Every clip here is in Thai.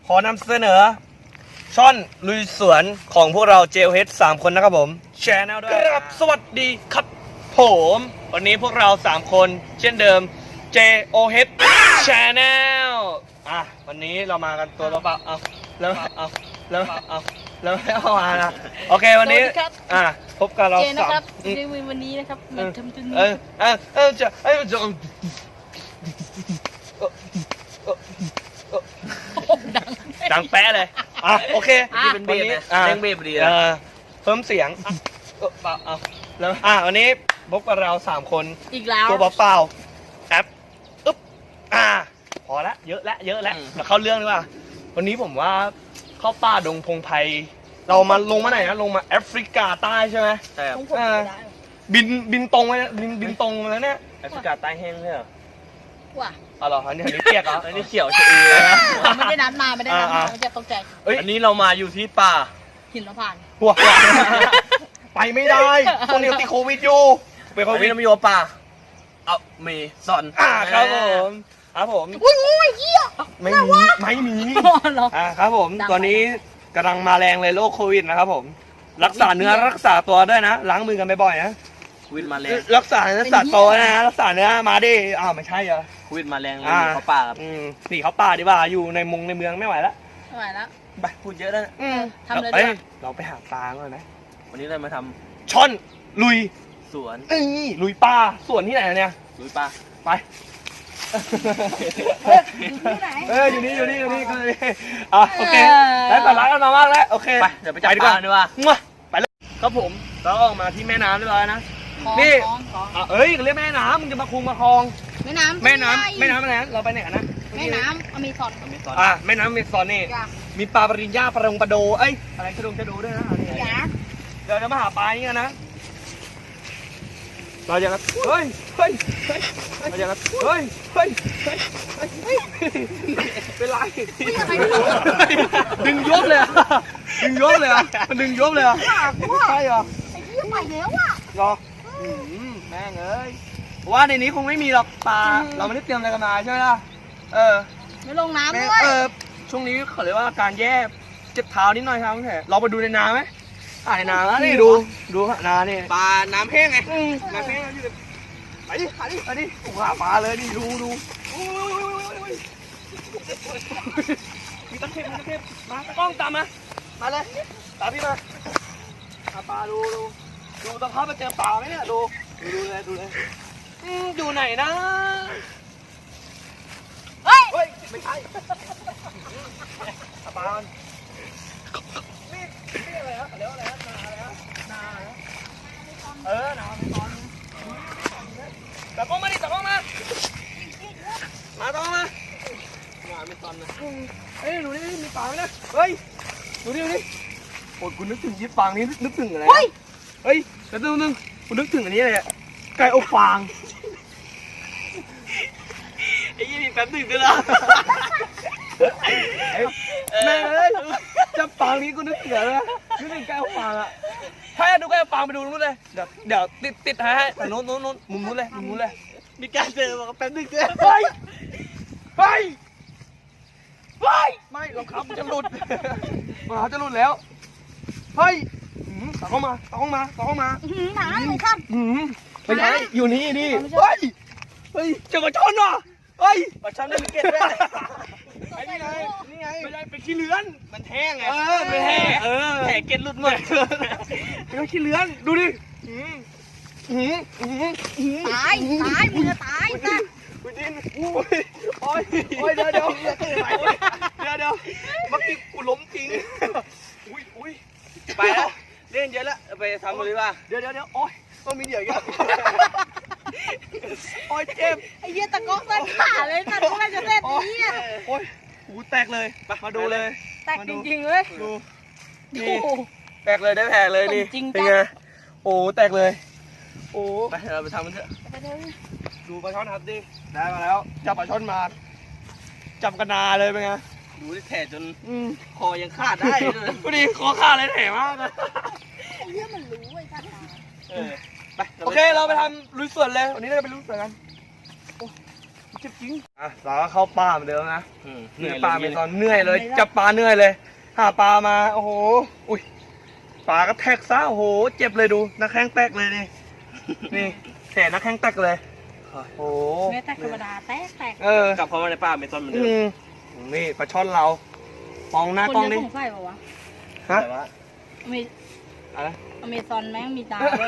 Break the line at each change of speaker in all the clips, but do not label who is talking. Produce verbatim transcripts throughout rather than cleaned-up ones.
ขอนำเสนอช่อนลุยสวนของพวกเรา เจ โอ เอช สามคนนะครับผมแชร์แนลด้วยครับสวัสดีครับผมวันนี้พวกเราสามคนเช่นเดิม เจ โอ เอช Channel อ่ะวันนี้เรามากันตัวเปล่าๆเอาแล้วเอาแล้วเอาแล้วไม่เอามานะโอเควันนี้อ่ะพบกับเรา
เจนะ
สาม
ครับในวันนี้นะครับมาทำตัวนี้
เออเออเออจะเออจะ ดังแป๊ะเลยอ่ะโอเค
นี่เป็นเบสนะ
อ่ะ
เล่นเบสพอดี
เอ
นะ
อเพิ่มเสียงอ่ะเออเปล่าเอาแล้วอ่ะวันนี้พบกับเราสามคน
อีกแล้ว
ตัวเปล่าๆแอปอึ๊บอ่ะพอละเยอะละเยอะละเราเข้าเรื่องดีกว่าวันนี้ผมว่าเข้าป่าดงพงไพรเรามาลงมาไหนนะลงมาแอฟริกาใต้ใช่ไหม
ใช่ครับ
ของผมไม่ได้
บินบินตรงไปบินบินตรงมาแล้วเนี่ย
แอฟริกาใต้แห้งใช่เหรอ
ว่ะ
อ๋อเหรออันนี้อันนี้เปียกเหรอ
อันนี้เขียวชะอีนะ
ไม่ได้นัดมาไม่ได้นัด
อ่า
มา
อ่า
มันจะตกใจ
เอ้ย
อันนี้เรามาอยู่ที่ป่า
หินละผ่าน
หัวไปไม่ได้ช่วงนี้ติดโควิดอยู่เป็นโค
อัน
วิ
นี้
ด
เรามาอยู่ป่าเอาเมซอน
อ่าครับผมครับผม
อุ้ยงูไอ้เหี้ย
ไม่มีไม่มี
เหรอ
อ่าครับผม
ดัง
ตอนนี้กำลังมาแรงเลยโรคโควิดนะครับผมรักษาเนื้อรักษาตัวด้วยนะล้างมือกันบ่อยๆนะ
โควิดมาแรง
รักษาเนื้อรักษาตัวนะรักษาเนื้อมาดิอ้าวไม่ใช่เหรอ
โควิดมาแรงเลย
อ่า
เขาป่าครับ
อืมหนีเขาป่าดีกว่าอยู่ในมงในเมืองไม่ไหวแล้ว
ไม่ไหวแล้ว
ไปพูดเยอะแล้วนะ
อืม
ทำเลยดีกว่า
อ้เราไปหาปลาก่อนนะ
วันนี้เรามาทำ
ช่อนลุย
สวน
เอ้ยลุยป่าสวนที่ไหนเนี่ย
ลุยป่า
ไป เอออยู่นี่อยู่นี่อยู่นี่ก็เลยอ่ะโอเคแล้วแต่ร้านกันมามากแล้วโอเค
ไปเดี๋ยวไปจับ
ดี
ปลาดีกว่า
มาไปเลยครับผมเราออกมาที่แม่น้ำเรียบร้อยนะ
ของ
นี่
ของของ
อ่ะเอ้ยเรียกแม่น้ำมึงจะมาคุมมาคลอง
แม่น้ำ
แม่น้ำแม่น้ำอะไรนะเราไปไหนกันนะ
แม่น้ำอเมซอน
อเมซอน
อ่ะแม่น้ำเมซอนนี่
จ้ะ
มีปลาปริญญาปลารงปลาโดเอ้ยอะไรกระดงกระโดด้วยนะอันนี้
จ้ะ
เดี๋ยวจะมาหาปลาอย่างเงี้ยนะเราจะกันเฮ้ยเฮ้ยเฮ้ยเราจะกันเฮ้ยเฮ้ยเฮ้ยเฮ้ยเป็นไรดึงยบเลยอ่ะดึงยบเลยอ่ะมันดึงยบเลยอ่ะใช่เหรอ
ไอ้เหี้ยไปแล้วอ่ะ
รอแม่งเอ้ยว่าในนี้คงไม่มีหรอกปลาเราไม่ได้เตรียมอะไรกันมาใช่ไหมล่ะเออ
ไม่ลงน้ำ
แม่
ด้วย
เออช่วงนี้เขาเรียกว่าการแย่เจ็บเท้านิดหน่อยครับคุณแผลเราไปดูในนาไหมอ่าในนาแล้วนี่ดูดูนานี่
ปลาน้ำแห้งไง
อืมนาแห้งแล้วอยู่ไปดิไปดิไปดิโอ้โหหาปลาเลยนี่ดูดูโอ้ยมีตะเข็บมีตะเข็บมาตะกล้องตามมามาเลยตามพี่มาหาปลาดูดูดูตะเข้าไปเจอปลาไหมเนี่ยดูดูดูเลยดูเลยอืมอยู่ไหนนะ
เฮ้ย
เฮ้ยไม่ใช่หาปลามันนี่นี่อะไรฮะเรียกว่าอะไรฮะนาอะไรฮะนาอะไรฮะเออนาไม่ตอนตะกล้องมาดิตะกล้องมามาตะกล้องมา
มาไม่ซอนนะ
เฮ้ยดูนี่มีปลาไหมนะเฮ้ยดูนี่ดูนี่โอ้ยกูนึกถึงยิปฟางนี่นึกถึงอะไรนะ
เฮ้ย
เฮ้ยแล้วนึงนึงกูนึกถึงอันนี้เลยอะไก่อบฟาง
ไอ้ยี่นี่แป๊บหนึงด้วยล่ะ
แม่เอ้ยจะฟางนี้กูนึกถึงอะไรนะนึกถึงไก่อบฟางอะถ้าอยากดูไก่อบฟางไปดูนู้นเลยเดี๋ยวเดี๋ยวติดติดให้ให้แต่นู้นนู้นนู้นมุมนู้นเลยมุมนู้นเลย
มีการเจอบอกว่าแป๊บหนึงด้วย
เฮ้ยเฮ้ยเฮ้ยไม่รองเท้ามันจะหลุดรองเท้าจะหลุดแล้วเฮ้ยหืมตะเข้ามาตะเข้ามาตะเข้ามา
อื้อหือหนาเลยครับ
หืมไม่ใช่อยู่นี่นี่
ไม่ใช่
เฮ้ยเฮ้ยเจอกระชอนว่ะเฮ้ย
ปลาช่อนได้มีเกล็ดด้วย
ไอ้นี่ไง
นี่ไง
ไม่ได้เป็นขี้เลื้อน
มันแห้งไง
เออเป็นแห่เออ
แห่เกล็ดหลุดหมด
เป็นขี้เลื้อนดูดิหืมหืมหืมหืม
ตายตายมึงจะตายนะ
อุ้ยดินอุ้ยโอ้ยโอ้ยเดี๋ยวเดี๋ยวเดี๋ยวเดี๋ยวเมื่อกี้กูล้มจริงอุ้ยอุ้ย
ไปแล้วเล่นเยอะแล้วไปทำเลยว่า
เดี๋ยวเดี๋ยวเดี๋ยวโอ้ยต้องมีเดี๋ยวอีกันโอ้ยเจ็บ
ไอ้เหี้ยตะก๊อกตันขาเลยตัดเมื่อไรจะเสร็จไอ้เหี้ย
โอ้ยหูแตกเลยมาดูเลย
แตกจริงๆเลย
ดู
โอ้
นี่
โห
แตกเลยได้แผลเลยนี่
จริงจัง
เป็นไงโอ้แตกเลยโอ้
ไปเราไปทำมันเถอะ
ดูปลาช่อนครับดิได้มาแล้วจับปลาช่อนมาจับกระนาเลยเป็นไง
ดูที่แผลจน
อืม
คอยังขาดได้เลย
พอดีคอขาดเลยแผลมากเลย
ไอ้เหี้ยมันรู้ไอ้ท่าน
เออไป
โอเคเราไปทำลุยสวนเลยวันนี้เราจะไปลุยสวนกันโอ้เจ็บจริงอ่ะเราก็เข้าป่าเหมือนเดิมนะ
อืม
เหนื่อยปลาเมซอนเหนื่อยเลยจับปลาเหนื่อยเลยหาปลามาโอ้โหอุ้ยปลาก็แทกซะโอ้โหเจ็บเลยดูนักแข้งแตกเลยนี่นี่แขนนักแข้งแตกเลยโอ้โห
ไม่แตกธรรมดาแตกแตก
เออก
ลับเข้ามาในป่าเมซอนเหมือนเดิ
อื
ม
มนี่ปลาช่อนเรามองหน้ากล้อง
คน
ดิ
จะสงสัยป่าวะ
ฮะ
แต่ว่า
อเม
อะไร
อเมซอนแม่งมีตาด้วย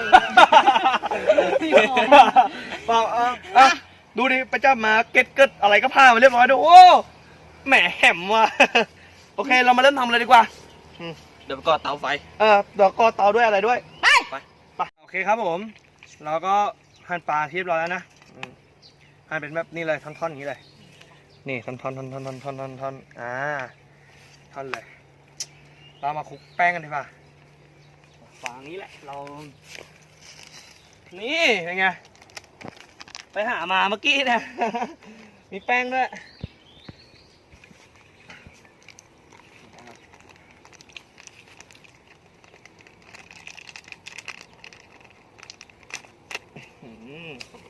เปล่าเอออ่ะดูดิไปจับมาเก็ตเกิดอะไรก็พามาเรียบร้อยดูโอ้แหมแหมว่ะ โอเคเรามาเริ่มทำเลยดีกว่า
เดี๋ยวไปก่อเตาไฟ
เออเดี๋ยวก็เตาด้วยอะไรด้วย
ไป
ไป
ไปโอเคครับผม เราก็หั่นปลาที่เรียบร้อยแล้วนะอืมหั่นเป็นแบบนี้เลยท่อนๆอย่างนี้เลย นี่ท่อนๆท่อนๆท่อนๆท่อนๆท่อนๆท่อนๆอ่าท่อนเลย เรามาคลุกแป้งกันดีกว่าฝางนี้แหละ เรา นี่เป็นไง ไปหามาเมื่อกี้เนะ มีแป้งด้วย อืม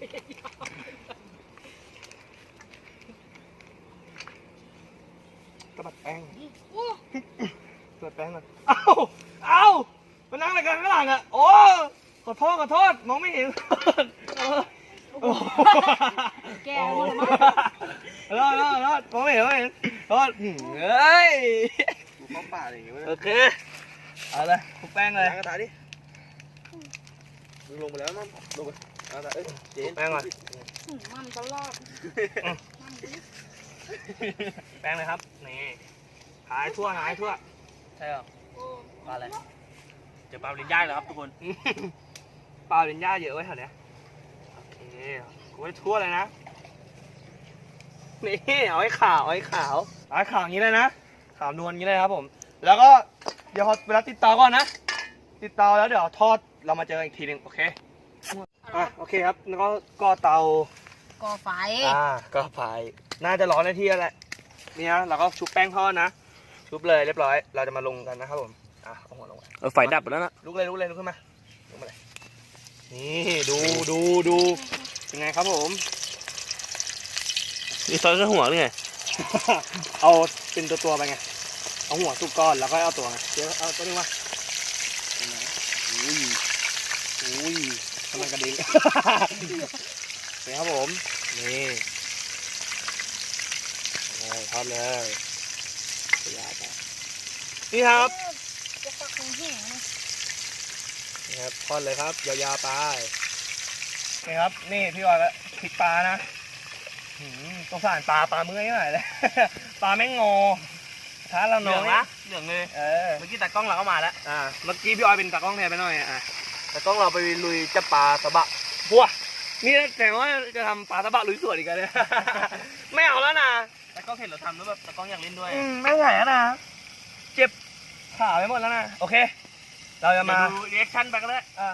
กระบัดแป้งกระบัดแป้งก่อนเอ้าเอ้ามานั่งอะไรกันข้างหลังอ่ะ โอ้ ขอโทษ ขอโทษ มองไม่เห็นเออโอ้โห
แกหมดมั้ง
รอดรอดรอดมองไม่เห็นมองไม่เห็นรอดหืมเอ้ย
ดูเข้าป่าอะไรอย่างเงี้ย
โอเค เอาเลยคลุกแป้งเลย
ล้างกระทะดิดูลงไปแล้วมั้งลงไปเอาแต่เอ้ยเจน
แป้งก่อน
หืมมันตลอด
แป้งเลยครับ นี่หายทั่วหายทั่ว
ใช่หรอปลาอะไรเจอปลาลิ้นย่ายแล้วครับทุกคน
ปลาเป็นหญ้าเยอะไว้แถวเนี้ยโอเคกูไว้ทั่วเลยนะ นี่เอาให้ขาวเอาให้ขาวเอาให้ขาวอย่างนี้เลยนะ ขาวนวลอย่างนี้เลยครับผม แล้วก็เดี๋ยวพอเวลาติดเตาก่อนนะ ติดเตาแล้วเดี๋ยวทอดเรามาเจอกันอีกทีหนึ่งโอเค อ่ะโอเคครับ แล้วก็ก่อเตา
ก่อไฟ
อ่าก็ไฟน่าจะร้อนในที่แล้วแหละนี่นะเราก็ชุบแป้งทอดนะ ชุบเลยเรียบร้อย เราจะมาลงกันนะครับผม อ่ะเอาหัวลงไป
เออไฟดับไปแล้วนะ
ลุกเลยลุกเลยลุกขึ้นมาลุกมาเลย นี่ดูดูดูเป็นไงครับผม
นี่ซอยแค่หัวหรือไง
เอาเป็นตัวตัวๆไปไง เอาหัวสุกก้อนแล้วก็เอาตัวไงเดี๋ยวเอาตัวนี้มาอุ้ยอุ้ยทำไมกระดิ่ง นี่ครับผม นี่โอ้ทอดเลยยาวไปนี่ครับ
จะปักแห้งๆนะ
นี่ครับทอดเลยครับยาวๆไปนี่ครับนี่พี่วอยก็พริกปลานะหืมสงสารปลาปลาเมื่อยหน่อยเลย ปลาแม่งงอท้าเรา
เห
น้
ลื
อ
อง
ง
นะเหลืองเลย
เออ
เมื่อกี้ตากล้องเราก็มาแล้ว
อ่าเมื่อกี้พี่ออยเป็นตากล้องแทนไปหน่อยอ่ะตากล้องเราไปลุยจับปลาสะบะบัวนี่แต่ว่าจะทำปลาสะบะลุยสวนอีกแล้วเนี่ย ไม่เอาแล้วนะ
ตากล้องเห็นเราทำแล้วแบบตากล้องอยากเล่นด้วย
อืมไม่ไหวแล้วนะเจ็บขาไปหมดแล้วนะโอเค เราจะ
มา
มา
ดูรีแอคชั่นไปกันเลย
อ่า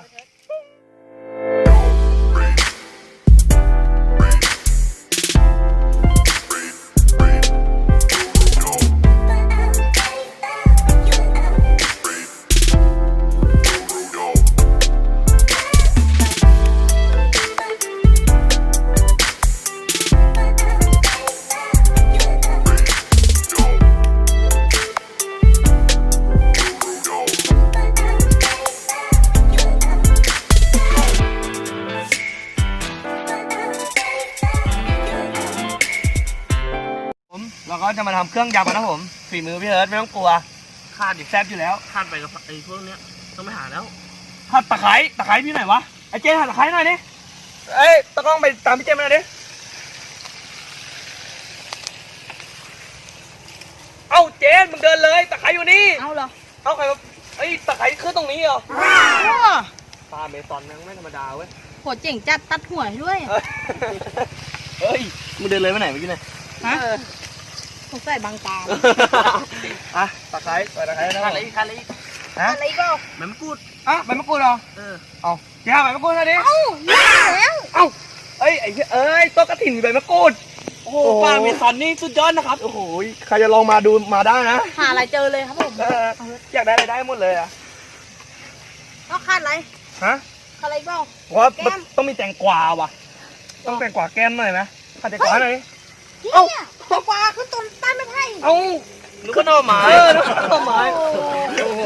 ผมเราก็จะมาทำเครื่องยำกันนะผมฝีมือพี่เอิร์ธไม่ต้องกลัวขาดดิแซ่บอยู่แล้ว
ข้ามไปกับไอ้พวกเนี้ยต้องไปหาแล้ว
หัดตะไคร้ตะไคร้พี่ไหนวะไอ้เจนหัดตะไคร้หน่อยดิเอ้ยตะกล้องไปตามพี่เจนมาหน่อยดิเอ้าเจนมึงเดินเลยตะไคร้อยู่นี่
เอาเหรอ
เอ้าใครมาเอ้ยตะไคร้ขึ้นตรงนี้เหรอ
ว้าว
ปลาเมซอนนั่งไม่ธรรมดาเว้ย
โหเจ๋งจัดตัดหัวให้ด้วย
เฮ้ย
มึงเดินเลยไปไหนเมื่อกี้เนี่ย
ฮะสงสัยบางตา
อ่ะตะไคร้ใส่ตะไคร้นะ
ขาดอะไรอีกขาดอะไรอีก
ฮะ
อะไรก็
แม่มะกรูด
อ่ะใบมะกรูดเหรอ
เออ
เอาแกเอาใบมะกรูดหน่อยดิ
เอ้านี่แล้ว
เอ้าเอ้ยไอ้เหี้ยเอ้ยโต๊ะกระถิ่นมีใบมะกรูด
โอ้โหปลาเมซอนนี่สุดยอดนะครับ
โอ้โหใครจะลองมาดูมาได้นะ
หาอะไรเจอเลยครับผม
เอออยากได้อะไรได้หมดเลยอ่ะ
ก็คาดอะไร
ฮะ
คาดอะไรก็
เพราะว่า
แก้ม
ต้องมีแตงกวาว่ะ ต้องแตงกวาแก้มหน่อยไหม
ม
ผัดแตงกวาหน่อย
เอ้าแตงกวาขึ้นต้นต้นไม่ไผ่
เอ้า
นึกว่าหน่อไม้
เออนึกว่าหน่อไม้ โอ้โห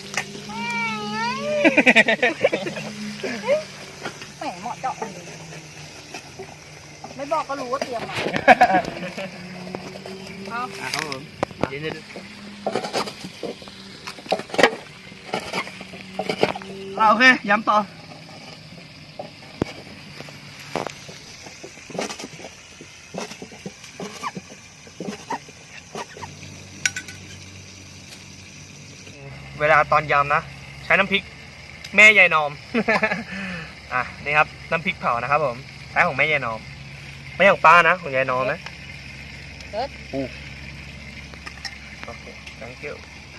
แหมเหมาะเจาะเลยไม่บอกก็รู้ว่าเตรียมมาเอา
อ่ะครับผมเดี๋ยวเดี๋ยว
อ่าโอเค ย้ำต่อ เวลาตอนยำนะ ใช้น้ำพริกแม่ยายนอม อ่ะ นี่ครับ น้ำพริกเผานะครับผม ใช้ของแม่ยายนอม ไม่ของป้านะ ของยายนอมนะ
เอิร์ธ
อู้โอเค thank you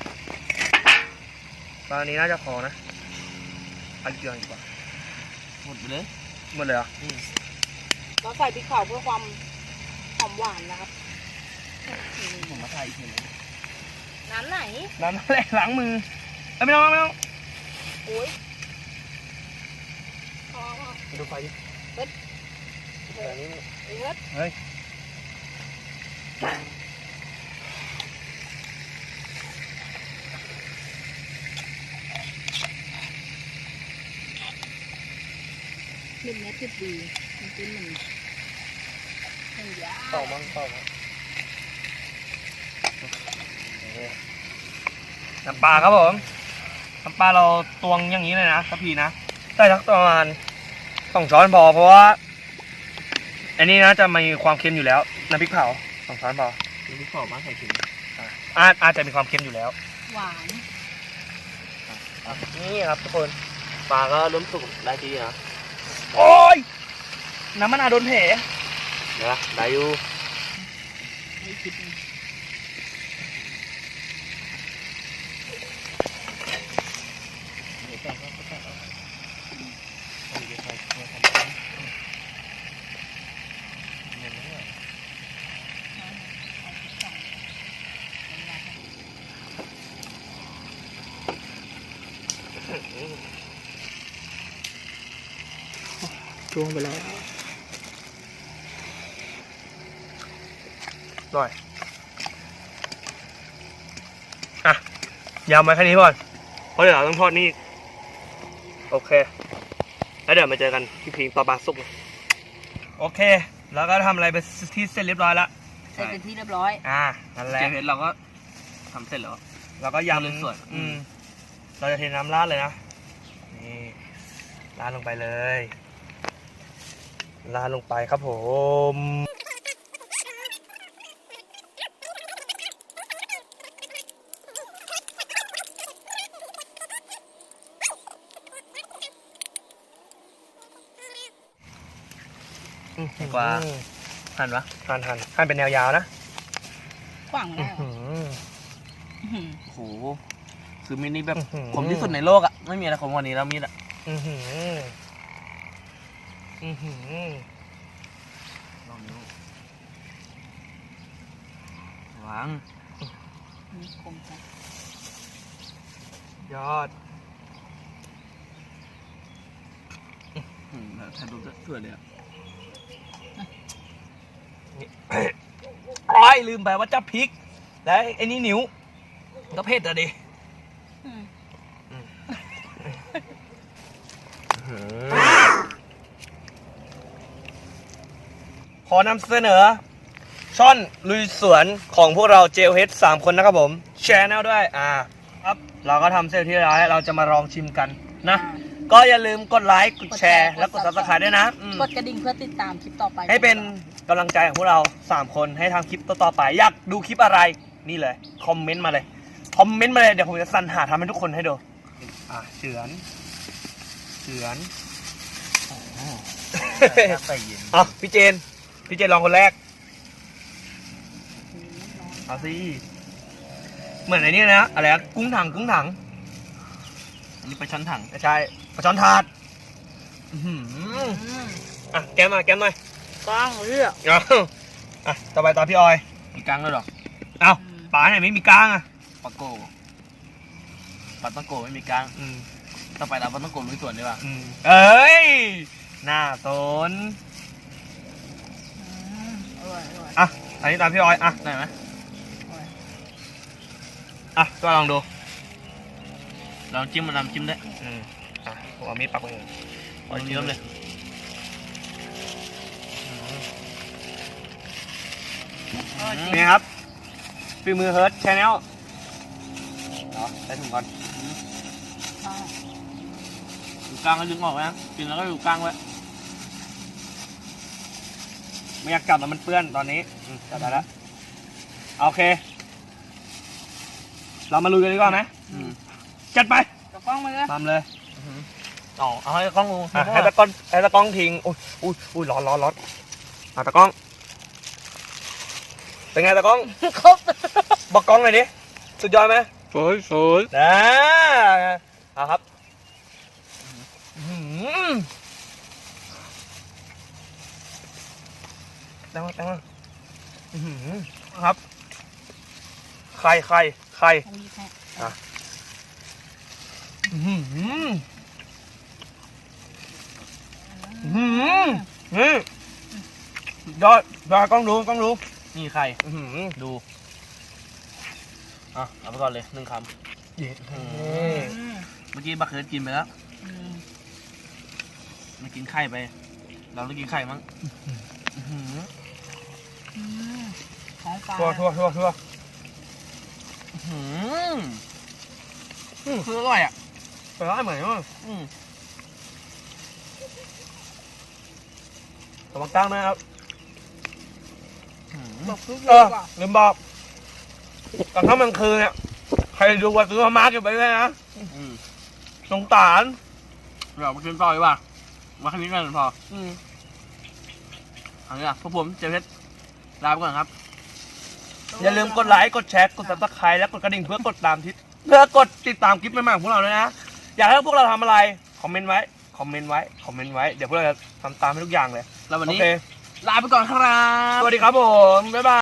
ตอนนี้น่าจะพอนะเอาอีกเดือนดีกว่า
หมดไปเลย
หมดเลยเหรอ
เราใส่พริกเผาเพื่อความหอมหวานนะครับ
ผมมาถ่ายอีกทีนึง
น้ำไหน
ล้างแรกล้างมือเอ้ยไม่ต้องไม่ต้อง
โอ้ยพอพอ
ดูไฟดิ
เอิร์ธ
เดี๋ยวนี้
เอิร์ธ
เฮ้ย
เม็ดเนี้ยติดดีมันเป็นเหมือนเหมือนยา
เป่ามั้งเป่ามั้งน้ำปลาครับผมน้ำปลาเราตวงอย่างนี้เลยนะทัพพีนะใส่สักประมาณสองช้อนพอเพราะว่าอันนี้นะจะมีความเค็มอยู่แล้วน้ำพริกเผาสองช้อนพอ
มีที่ขอบบ้านใส่ถุง
อาจอาจจะมีความเค็มอยู่แล้ว
หวาน
นี่ครับทุกคน
ปลาก็เริ่มสุกได้ทีนะ
โอ้ยน้ำมันาวโดนแผล
เดี๋ยวนะได้อยู่
ไม่คิดเลย
ช่วงไปแล้วหน่อยอ่ะยำไว้แค่นี้ก่อนเพราะเดี๋ยวเราต้องทอดนี่อีกโอเคแล้วเดี๋ยวมาเจอกันที่พิงต่อปลาสุกโอเค แล้วก็ทำอะไรไปที่เสร็จเรียบร้อยแล้ว
เสร็จเป็นที่เรียบร้อย
อ่านั่นแหละ
เจเพชรเราก็ทำเสร็จแล้ว
แล้วก็ยำ
เลยส่วน
อืมเราจะเทน้ำราดเลยนะนี่ราดลงไปเลยราดลงไปครับผมดีกว่าหั่นปะหั่นหั่นหั่นเป็นแนวยาวนะ
กว้างแล้ว
อื้อหือ
โอ้โหคือมีดนี่แบบ
อื้อหือ
คมที่สุดในโลกอ่ะไม่มีอะไรคมกว่านี้แล้วมีดอ่ะ
อือหืออือหือ
ลองนิ้ววาง
มีคมจัง
ยอด
อืมแล้วถ่ายรูปจะสวยเลยอ่ะ
โอ้ยลืมไปว่าจะพริก แล้วไอ้นี่นิ้วก็เผ็ดอะดิ
อืม
ขอนำเสนอ ช่อนลุยสวนของพวกเราเจลเฮดสามคนนะครับผมแชร์แนลด้วยอ่าครับเราก็ทำเสร็จที่ร้อยเราจะมาลองชิมกันนะ ก็อย่าลืมกดไลค์กดแชร์และกด ซับสไครบ์ด้วยนะอืม
กดกระดิ่งเพื่อติดตามคลิปต่อไป
ให้เป็นกำลังใจของพวกเราสามคนให้ทำคลิปต่อๆไป อยากดูคลิปอะไรนี่เลย คอมเมนต์มาเลย คอมเมนต์มาเลย เดี๋ยวผมจะสรรหาทำให้ทุกคนให้ดู อ่ะเฉือนเฉือน
ใส่เย็น
อ่ะพี่เจน พี่เจนลองคนแรก เอาสิ เหมือนไอ้นี่นะ อะไรนะกุ้งถังกุ้งถัง
อันนี้ไปช้อนถัง
ไม่ใช่ปลาช้อนถาดอื้อหือ
อืม
อ่ะแก้มหน่อยแก้มหน่อย
กว้างเลือก
เอาอ่ะต่อไปตอนพี่ออย
มีกลางด้วยหรอ
เอาปลาไหนไม่มีกล้างอ่ะ
ปลาโกปลาต้องโกไม่มีกลาง
อืม
ต่อไปเราปลาต้องโกลุยสวนดีกว่า
อืมเอ้ย หน้าสน
อืมร่อยอร่อย
อ่ะอันนี้ตามพี่ออยอ่ะได้ไหม
อร่อย
อ่ะก็ลองดู
ลองจิ้มมันน้ำจิ้มได้
อืมอ่ะผมเอามีดปักไว้เลย
ลองเยิ้มเลย
อร่อยจริง
นี่ครับฝีมือเฮิร์ทชาแนลเนาะใส่ถุงก่อน
ใช่
อยู่กลางก็ดึงออกไว้นะกินแล้วก็อยู่กลางไว้
ไม่อยากจับแล้วมันเปื้อนตอนนี้อืมจับได้แล้วโอเค เรามาลุยกันดีกว่าไหม
อืม
จัดไป
กระป้องมาเลย
ทำเลย
อ๋อเอาให้กล้องดู
อ่ะให้ตะกล้องให้ตะกล้องทิ้งอุ้ยอุ้ยอุ้ยร้อนร้อนร้อนอ่ะตะกล้อง เป็นไงตะกล้อง
ครบ
บอกกล้องหน่อยดิสุดยอดไหม
สวยสวย
นะเอาครับอื้อหือแตงมาแตงมาอื้อหือครับไข่ไข่ไข่
อันนี้แค่
อื้อหืออื้อหือนี่ยอดยอดกล้องดูกล้องดู
นี่ไข่
อื้อหือ
ดูอ่ะเอาไปก่อนเลยหนึ่งค
เย็ด
ำอืม
อืม
อืม
เมื่อกี้บักเคิร์ดกินไปแล้ว
อืม
มากินไข่ไป เราต้องกินไข่มั้งอื้อหือ
อืมของปลา
ทั่วทั่วทั่วทั่ว
อื้อหืออืมคืออร่อยอ่ะ
ไปร้านเหมือนกัน
อืม
ระวังตั้งนะครับ
อื้อหื
บ
อ
อกทุกอ
เอย่าง อ
ว่ะ
ลืมบอกตอนค่ำกลางคืนเนี่ยใครดูว่าซื้อมาม่าเก็บไว้เลยนะ
อืม
สงสาร
เราไปกินต่อดีกว่ามาแค่นี้กันพอ
อืม
เอางี้อ่ะพวกผมเจเพชรลาไปก่อนครับ
อย่าลืมกดไลค์กดแชร์กดซับสไครต์และกดกระดิ่งเพื่อกดตามทิศเพื่อกดติดตามคลิปใหม่ๆของพวกเราด้วยนะอยากให้พวกเราทำอะไรคอมเมนต์ไว้คอมเมนต์ไว้คอมเมนต์ไว้เดี๋ยวพวกเราจะทำตามให้ทุกอย่างเลย
แล้ววัน
โอ
นี้
เค
ลาไปก่อนครับ
สวัสดีครับผมบ๊ายบาย